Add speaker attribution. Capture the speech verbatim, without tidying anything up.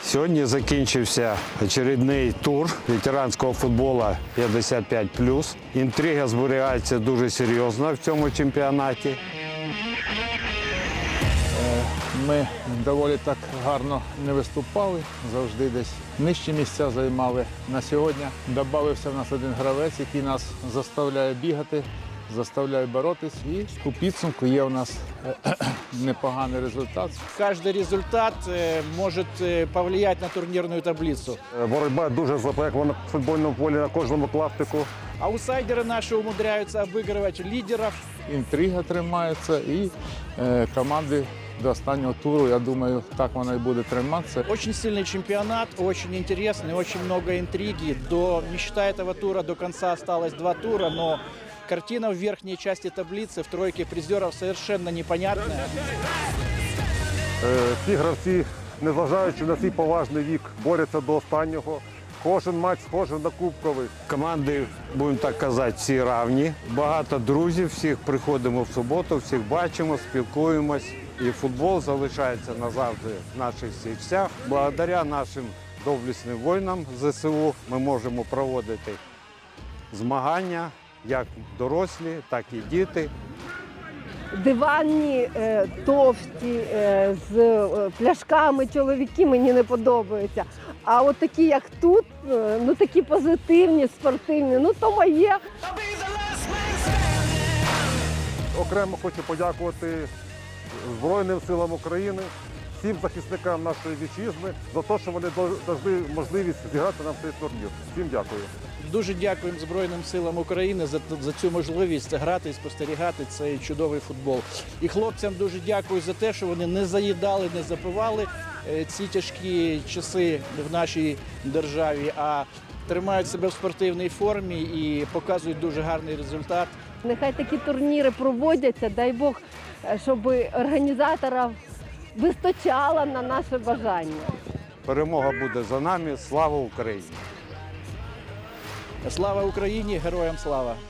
Speaker 1: Сьогодні закінчився очередний тур ветеранського футболу п'ятдесят п'ять плюс. Інтрига зберігається дуже серйозно в цьому чемпіонаті.
Speaker 2: Ми доволі так гарно не виступали, завжди десь нижчі місця займали. На сьогодні додався в нас один гравець, який нас заставляє бігати, заставляє боротись. І у підсумку є у нас непоганий результат.
Speaker 3: Каждый результат э, может э, повлиять на турнирную таблицу.
Speaker 4: Боротьба дуже запекла на футбольному полі, на кожному клаптику.
Speaker 3: Аутсайдеры наши умудряются обыгрывать лидеров.
Speaker 2: Інтрига тримається і е, команди до останнього туру, я думаю, так вона і буде триматися.
Speaker 3: Очень сильный чемпионат, очень интересный, очень много интриги. До, не считая этого тура, до конца осталось два тура, но картина в верхней части таблицы, в тройке призеров совершенно непонятная.
Speaker 4: Е, Ці гравці, незважаючи на свій поважний вік, борються до останнього. Кожен матч схожий на кубковий.
Speaker 1: Команди, будемо так казати, всі равні. Багато друзів, всіх приходимо в суботу, всіх бачимо, спілкуємось. І футбол залишається назавжди в наших серцях. Благодаря нашим доблесним воїнам ЗСУ ми можемо проводити змагання, як дорослі, так і діти.
Speaker 5: Диванні, е, товсті, е, з е, пляшками чоловіки мені не подобаються. А от такі, як тут, е, ну такі позитивні, спортивні, ну то моє.
Speaker 4: Окремо хочу подякувати Збройним силам України, всім захисникам нашої вітчизни за те, що вони дали можливість зіграти нам цей турнір. Всім дякую.
Speaker 3: Дуже дякуємо Збройним силам України за, за цю можливість грати і спостерігати цей чудовий футбол. І хлопцям дуже дякую за те, що вони не заїдали, не запивали е, ці тяжкі часи в нашій державі, а тримають себе в спортивній формі і показують дуже гарний результат.
Speaker 5: Нехай такі турніри проводяться, дай Бог, щоб організаторів вистачало на наше бажання.
Speaker 1: Перемога буде за нами. Слава Україні!
Speaker 3: Слава Україні! Героям слава!